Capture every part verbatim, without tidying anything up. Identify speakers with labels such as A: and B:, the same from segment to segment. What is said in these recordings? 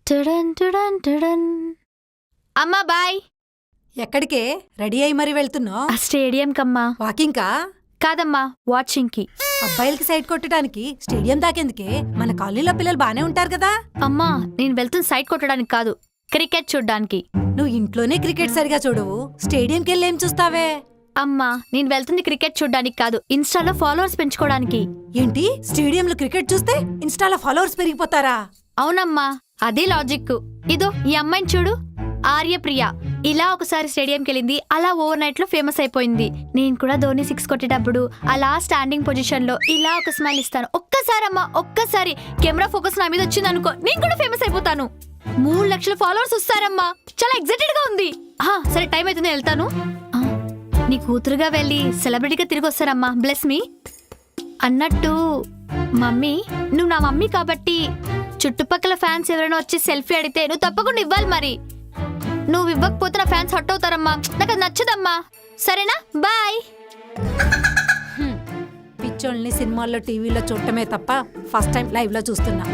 A: టుడన్ టుడన్ టుడన్. అమ్మా బాయ్.
B: ఎక్కడికే రెడీ అయి మరి వెళ్తున్నావు?
A: ఆ స్టేడియం కమ్మా.
B: వాకింగ్కా?
A: కాదమ్మా, వాచింగ్ కి.
B: అబ్బాయిలకి సైడ్ కొట్టడానికి స్టేడియం దాకెందుకే? మన కాలనీలో పిల్లలు బానే ఉంటారు కదా.
A: అమ్మా, నేను వెళ్తున్న సైట్ కొట్టడానికి కాదు, క్రికెట్ చూడ్డానికి.
B: నువ్వు ఇంట్లోనే క్రికెట్ సరిగా చూడవు, స్టేడియంకి వెళ్ళి ఏం చూస్తావే?
A: అమ్మా, నేను వెళ్తుంది క్రికెట్ చూడ్డానికి కాదు, ఇన్స్టాలో ఫాలోవర్స్ పెంచుకోవడానికి.
B: ఏంటి, స్టేడియంలో క్రికెట్ చూస్తే ఇన్స్టాలో ఫాలోవర్స్ పెరిగిపోతారా?
A: అవునమ్మా, అదే లాజిక్. ఇదో ఈ అమ్మాయిని చూడు, ఆర్యప్రియ. ఇలా ఒకసారి స్టేడియంకి వెళ్ళింది, అలా ఓవర్ నైట్ లో ఫేమస్ అయిపోయింది. నేను కూడా ధోని సిక్స్ కొట్టేటప్పుడు అలా స్టాండింగ్ పొజిషన్ లో ఇలా ఒక స్మైల్ ఇస్తాను. ఒక్కసారి అమ్మా, ఒక్కసారి కెమెరా ఫోకస్ నా మీద వచ్చింది అనుకో, నేను కూడా ఫేమస్ అయిపోతాను. మూడు లక్షల ఫాలోవర్స్ వస్తారమ్మా, చాలా ఎక్సైటెడ్ గా ఉంది. సరే, టైం అవుతుంది, వెళ్తాను. నీ కూతురుగా వెళ్ళి సెలబ్రిటీగా తిరిగి వస్తారమ్మా, బ్లెస్ మీ. అన్నట్టు మమ్మీ, నువ్వు నా మమ్మీ కాబట్టి చుట్టుపక్కల ఫ్యాన్స్ ఎవరైనా వచ్చి సెల్ఫీ అడిగితే నువ్వు తప్పకుండా ఇవ్వాలి. మరి నువ్వు ఇవ్వకపోతే నా ఫ్యాన్స్ హట్ అవుతారమ్మా, నాకు అది నచ్చదమ్మా. సరేనా, బాయ్.
B: పిచ్చోళ్ళని సినిమాల్లో టీవీలో చూడటమే తప్ప ఫస్ట్ టైం లైవ్ లో చూస్తున్నా.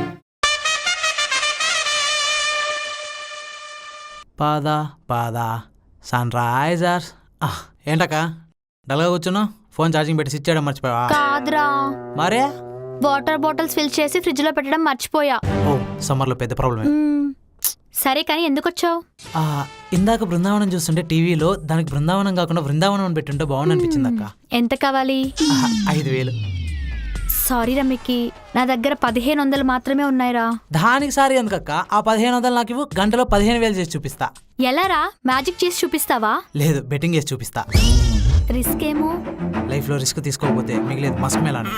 C: పాదా పాదా సన్ రైజర్స్. ఏంటక్క డల్గా కూర్చున్నావు? ఫోన్ ఛార్జింగ్ పెట్టి స్విచ్ చేయడం మర్చిపోయావా?
A: కాదురా,
C: మరే
A: వాటర్ బాటిల్స్ ఫిల్ చేసి ఫ్రిడ్జ్ లో పెట్టడం మర్చిపోయా.
C: ఓ, సమ్మర్లో పెద్ద ప్రాబ్లమే.
A: సరే, కానీ ఎందుకు వచ్చావు?
C: ఇందాక బృందావనం చూస్తుంటే టీవీలో దానికి బృందావనం కాకుండా బృందావనం అని పెట్టుంటే బాగుంది అనిపించింది అక్క.
A: ఎంత కావాలి?
C: ఐదు వేలు.
A: సారీ రమ్మికి, నా దగ్గర పదిహేను వందలు మాత్రమే ఉన్నాయిరా.
C: దానికి సారీ ఎందుకక్క? ఆ పదిహేను వందలు నాకు ఇవ్వు, గంటలో పదిహేను వేలు చేసి చూపిస్తా.
A: ఎలారా, మ్యాజిక్ చేసి చూపిస్తావా?
C: లేదు, బెట్టింగ్ చేసి చూపిస్తా.
A: రిస్క్ ఏమో.
C: లైఫ్ లో రిస్క్ తీసుకోకపోతే మిగిలేదు మస్క్ మేలాను.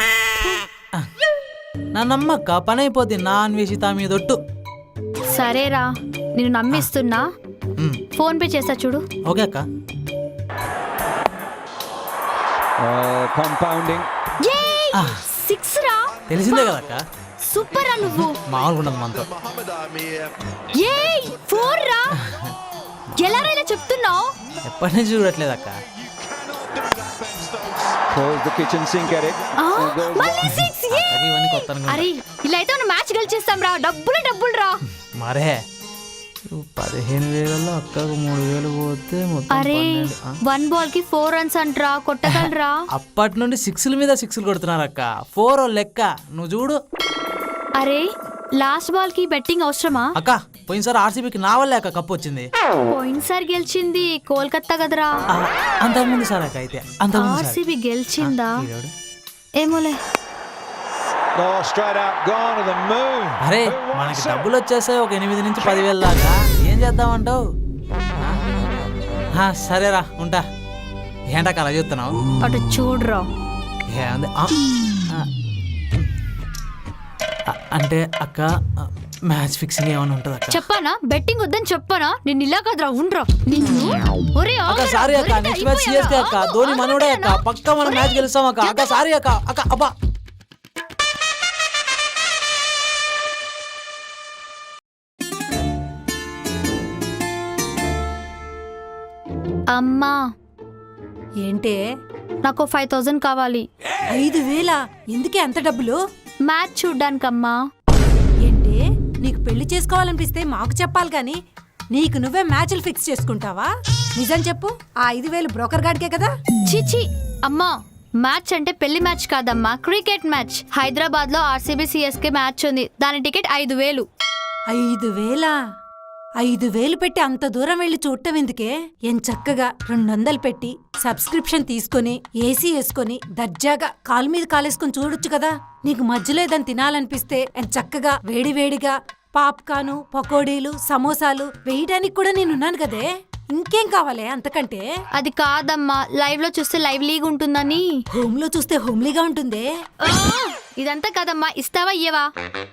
C: నా నమ్మక్క, పని అయిపోద్ది. నా అన్వేషిత మీదొట్టు.
A: సరేరా, నేను నమ్మిస్తున్నా. ఫోన్ పే చేస్తా చూడు.
C: ఓకే అక్క.
A: సిక్స్ రా.
C: తెలిసిందే కదా అక్క.
A: సూపర్ రా నువ్వు.
C: మామూలుగా ఉండదు మనతో.
A: ఏయ్, ఫోర్ రా. ఎలా రా ఇలా చెప్తున్నావు?
C: ఎప్పటి నుంచి చూడట్లేదు అక్క.
A: అరే, ఇలా అయితే మనం మ్యాచ్ గెలిచేస్తాం రా. డబ్బులు డబ్బులు రా.
C: మరే పదిహేను వేలలో అక్కకు మూడు వేలు పోతే మొత్తం.
A: అరే, వన్ బాల్ కి ఫోర్ రన్స్ అంటరా, కొట్టగలరా?
C: అప్పటి నుండి సిక్స్ల మీద సిక్స్లు కొడుతున్నారు అక్క. ఫోర్ లెక్క, నువ్వు చూడు.
A: అరే, లాస్ట్ బాల్ కి బెట్టింగ్ అవసరమా
C: అక్క? పోయినసారి ఆర్సీబీకి నా వల్లే అక్క కప్పు వచ్చింది.
A: పోయినసారి గెలిచింది కోల్కతా కదరా.
C: అంతకుముందు సార్ అక్క. అయితే
A: ఆర్సీబీ గెలిచిందా ఏమోలే.
C: అరే, మనకి డబ్బులు వచ్చేసాయి ఒక ఎనిమిది నుంచి పదివేలు దాకా. ఏం చేద్దామంటావు? సరేరా, ఉంటా. ఏంటక్క అలా చెప్తున్నావు?
A: అటు చూడరా.
C: అంటే అక్క, మ్యాచ్ ఫిక్సింగ్ ఏమైనా ఉంటుంది అక్క?
A: చెప్పానా, బెట్టింగ్ వద్దని చెప్పానా? నేను ఇలా కదరా, ఉండరా నిన్ను.
C: అక్క సారీ అక్క, నెక్స్ట్ మ్యాచ్ సిఎస్కే అక్క. ధోని మనోడే అక్క, పక్కా మనం మ్యాచ్ గెలుస్తాం అక్క. అక్క సారీ అక్క. అక్క అబ్బా.
A: అమ్మా,
B: ఏంటే?
A: నాకు ఫైవ్ థౌజండ్ కావాలి.
B: ఐదు వేలా? ఎందుకే అంత డబ్బులు?
A: మ్యాచ్ చూడ్డానికమ్మా.
B: ఏంటి, నీకు పెళ్లి చేసుకోవాలనిపిస్తే మాకు చెప్పాలి గాని నీకు నువ్వే మ్యాచ్లు ఫిక్స్ చేసుకుంటావా? నిజం చెప్పు, ఆ ఐదు వేలు బ్రోకర్ గాడికే కదా?
A: చిచి అమ్మా, మ్యాచ్ అంటే పెళ్లి మ్యాచ్ కాదమ్మా, క్రికెట్ మ్యాచ్. హైదరాబాద్ లో ఆర్సీబీ సిఎస్కే మ్యాచ్ ఉంది, దాని టికెట్ ఐదు వేలు.
B: ఐదు వేలా? ఐదు వేలు పెట్టి అంత దూరం వెళ్లి చూడటం ఎందుకే? ఏం చక్కగా రెండు వందలు పెట్టి సబ్స్క్రిప్షన్ తీసుకుని ఏసీ వేసుకుని దర్జాగా కాలు మీద కాలేసుకుని చూడొచ్చు కదా. నీకు మధ్యలో ఏదని తినాలనిపిస్తే చక్కగా వేడివేడిగా పాప్కార్న్, పకోడీలు, సమోసాలు వేయడానికి కూడా నేనున్నాను కదే. ఇంకేం కావాలే అంతకంటే?
A: అది కాదమ్మా, లైవ్ లో చూస్తే లైవ్ లీగ్ ఉంటుందని.
B: హోమ్ లో చూస్తే హోమ్లీగా ఉంటుందే.
A: ఇదంతా కాదమ్మా, ఇస్తావా ఇయ్యవా?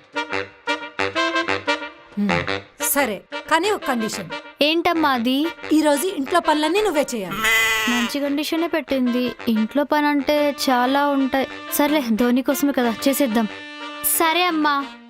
B: సరే, కానీ ఒక కండిషన్.
A: ఏంటమ్మా అది?
B: ఈ రోజు ఇంట్లో పనులన్నీ నువ్వే చేయాలి.
A: మంచి కండిషనే పెట్టింది. ఇంట్లో పని అంటే చాలా ఉంటాయి. సర్లే, ధోని కోసమే కదా, చేసేద్దాం. సరే అమ్మా.